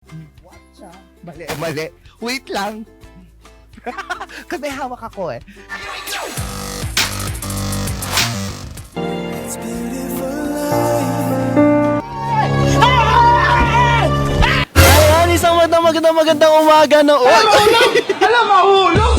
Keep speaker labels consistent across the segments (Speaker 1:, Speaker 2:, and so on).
Speaker 1: Watcha. Mali, mali. Wait lang. Kasi may hawak ako eh.
Speaker 2: Ayan, isang magandang umaga no.
Speaker 1: Alam, mahulog!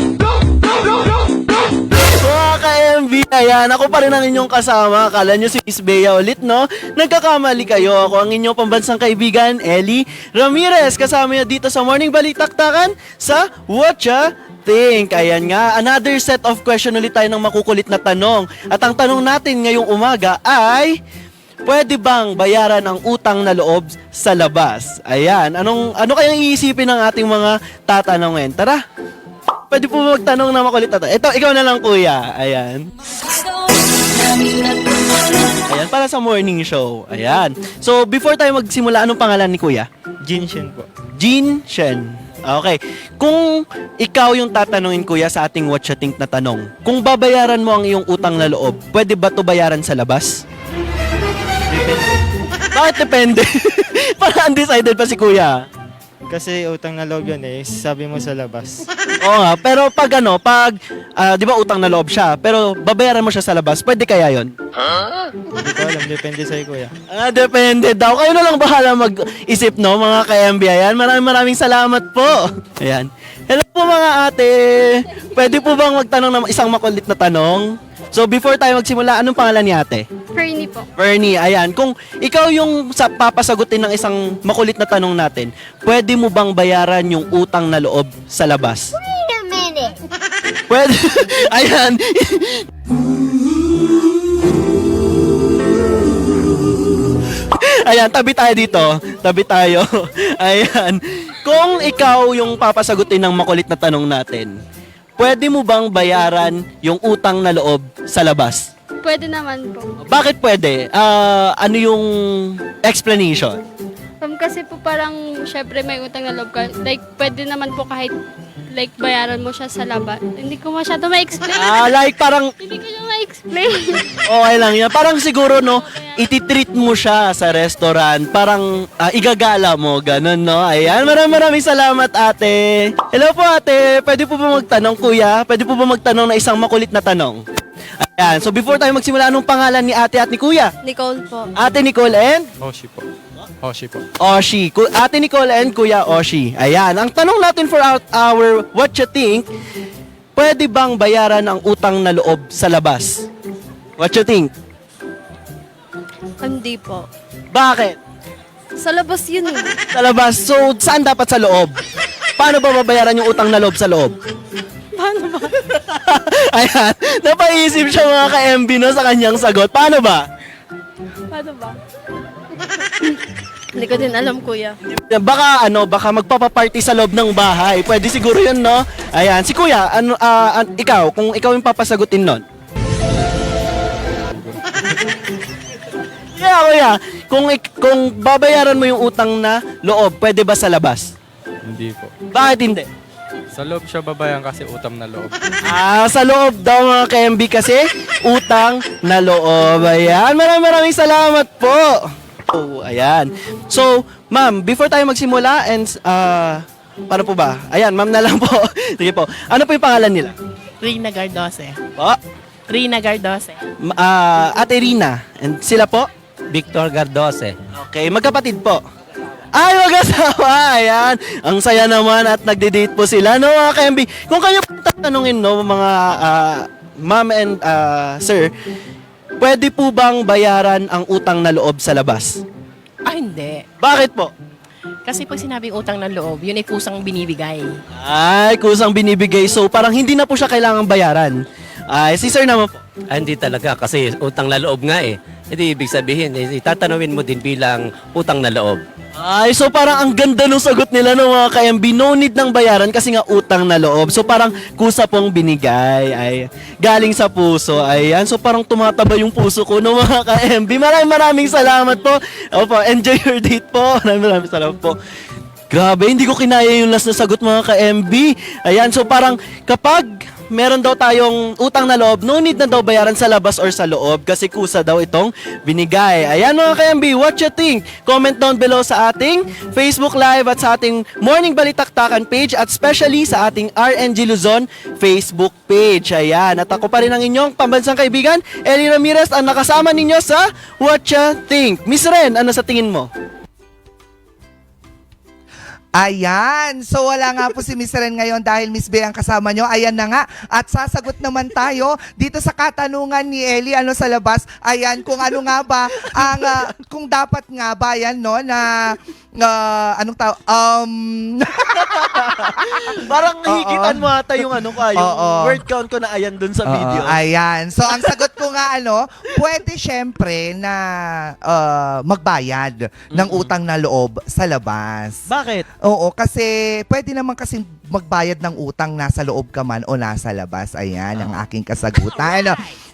Speaker 2: Mga ka-MV, ayan, ako pa rin ang inyong kasama. Akala nyo si Miss Bea ulit, no? Nagkakamali kayo. Ako ang inyong pambansang kaibigan, Ellie Ramirez. Kasama nyo dito sa Morning Balitaktakan sa Watcha Think. Ayan nga, another set of question ulit tayo ng makukulit na tanong. At ang tanong natin ngayong umaga ay, pwede bang bayaran ang utang na loob sa labas? Ayan, ano kayang iisipin ng ating mga tatanungin? Tara! Pwede po magtanong na makulit na to. Ito, ikaw na lang kuya. Ayan. Ayan, para sa morning show. Ayan. So, before tayo magsimula, anong pangalan ni kuya?
Speaker 3: Jinshin po.
Speaker 2: Jin Shen. Okay. Kung ikaw yung tatanungin kuya sa ating Watch Think na tanong, kung babayaran mo ang iyong utang na loob, pwede ba to bayaran sa labas?
Speaker 3: Depende.
Speaker 2: Bakit depende? Para undecided pa si kuya.
Speaker 3: Kasi utang na loob yun eh. Sabi mo sa labas.
Speaker 2: Oo nga, pero pag di ba utang na loob siya, pero babayaran mo siya sa labas, pwede kaya yon?
Speaker 3: Hindi ko alam. Depende sa'yo, kuya.
Speaker 2: Depende daw. Kayo na lang bahala mag-isip, no, mga ka-MB. Ayan, maraming salamat po. Ayan. Hello po mga ate. Pwede po bang magtanong ng isang makulit na tanong? So, before tayo magsimula, anong pangalan ni ate?
Speaker 4: Fernie po.
Speaker 2: Bernie, ayan. Kung ikaw yung papasagutin ng isang makulit na tanong natin, pwede mo bang bayaran yung utang na loob sa labas?
Speaker 4: Wait a minute.
Speaker 2: Pwede. Ayan. Ayan, tabi tayo dito. Tabi tayo. Ayan. Kung ikaw yung papasagutin ng makulit na tanong natin, pwede mo bang bayaran yung utang na loob sa labas?
Speaker 4: Pwede naman po.
Speaker 2: Bakit pwede? Ano yung explanation?
Speaker 4: Kasi po parang, syempre may utang na loob ka. Like, pwede naman po kahit, like, bayaran mo siya sa labas. Hindi ko masyado ma-explain.
Speaker 2: Like parang
Speaker 4: Hindi ko siya ma-explain.
Speaker 2: okay lang yan. Parang siguro, no, ititreat mo siya sa restaurant. Parang igagala mo, ganun, no? Ayan, maraming salamat, ate. Hello po, ate. Pwede po ba magtanong, kuya? Pwede po ba magtanong na isang makulit na tanong? Ayan, so before tayo magsimula, anong pangalan ni ate at ni kuya?
Speaker 4: Nicole po.
Speaker 2: Ate Nicole and?
Speaker 3: Oshi po. Oshi po.
Speaker 2: Oshi. Ate Nicole and Kuya Oshi. Ayan, ang tanong natin for our What You Think, pwede bang bayaran ang utang na loob sa labas? What you think?
Speaker 4: Hindi po.
Speaker 2: Bakit?
Speaker 4: Sa labas yun eh.
Speaker 2: Sa labas. So, saan dapat sa loob? Paano ba babayaran yung utang na loob sa loob?
Speaker 4: Paano ba?
Speaker 2: Ayan, napaisip siya mga ka-MB no, sa kanyang sagot. Paano ba?
Speaker 4: Paano ba? Hindi ko din alam, kuya.
Speaker 2: Baka magpapaparty sa loob ng bahay. Pwede siguro yun, no? Ayan, si Kuya, ikaw, kung ikaw yung papasagutin nun. Yeah, Kuya, kung babayaran mo yung utang na loob, pwede ba sa labas?
Speaker 5: Hindi po.
Speaker 2: Bakit hindi?
Speaker 5: Sa loob siya babayan kasi utang na loob.
Speaker 2: Sa loob daw mga ka-MB kasi, utang na loob. Ayan, maraming salamat po. Oh, ayan. So, ma'am, before tayo magsimula and paano po ba? Ayan, ma'am na lang po. Sige po. Ano po yung pangalan nila?
Speaker 6: Rina Gardose.
Speaker 2: Po?
Speaker 6: Rina Gardose.
Speaker 2: Ate Rina. And sila po?
Speaker 7: Victor Gardose.
Speaker 2: Okay, magkapatid po. Ay, mag-asawa! Ayan. Ang saya naman at nagde-date po sila, no, mga ka-MB? Kung kayo po tatanungin, no, mga ma'am and sir, pwede po bang bayaran ang utang na loob sa labas?
Speaker 6: Hindi.
Speaker 2: Bakit po?
Speaker 6: Kasi pag sinabing utang ng loob, yun ay kusang binibigay.
Speaker 2: Ay, kusang binibigay. So, parang hindi na po siya kailangang bayaran. Ay, si sir naman po.
Speaker 7: Hindi talaga kasi utang na loob nga eh. Hindi ibig sabihin, itatanawin mo din bilang utang na loob.
Speaker 2: Ay, so parang ang ganda ng sagot nila ng mga ka-MB. No need ng bayaran kasi nga utang na loob. So parang kusa pong binigay. Ay, galing sa puso. Ayan, so parang tumataba yung puso ko no mga ka-MB. Maraming salamat po. Opo, enjoy your date po. Maraming salamat po. Grabe, hindi ko kinaya yung last na sagot mga ka-MB. Ayan, so parang kapag meron daw tayong utang na loob, no need na daw bayaran sa labas or sa loob kasi kusa daw itong binigay. Ayan mga ka-MB, what you think? Comment down below sa ating Facebook Live at sa ating Morning Balitaktakan page at especially sa ating RNG Luzon Facebook page. Ayan, at ako pa rin ang inyong pambansang kaibigan, Ellie Ramirez, ang nakasama ninyo sa What You Think. Miss Ren, ano sa tingin mo?
Speaker 1: Ayan. So wala nga po si Miss Ren ngayon dahil Miss Bea ang kasama nyo. Ayan na nga. At sasagot naman tayo dito sa katanungan ni Ellie ano sa labas. Ayan, kung ano nga ba ang kung dapat nga ba yan no na anong tawag
Speaker 2: Parang nahigitan mo ata yung ano ka, yung
Speaker 1: Oo.
Speaker 2: word count ko na ayan dun sa video.
Speaker 1: Ayan. So ang sagot ko nga pwede syempre na magbayad ng utang na loob sa labas.
Speaker 2: Bakit?
Speaker 1: Oo, kasi pwede naman kasi magbayad ng utang nasa loob ka man o nasa labas. Ayan, ang aking kasagutan.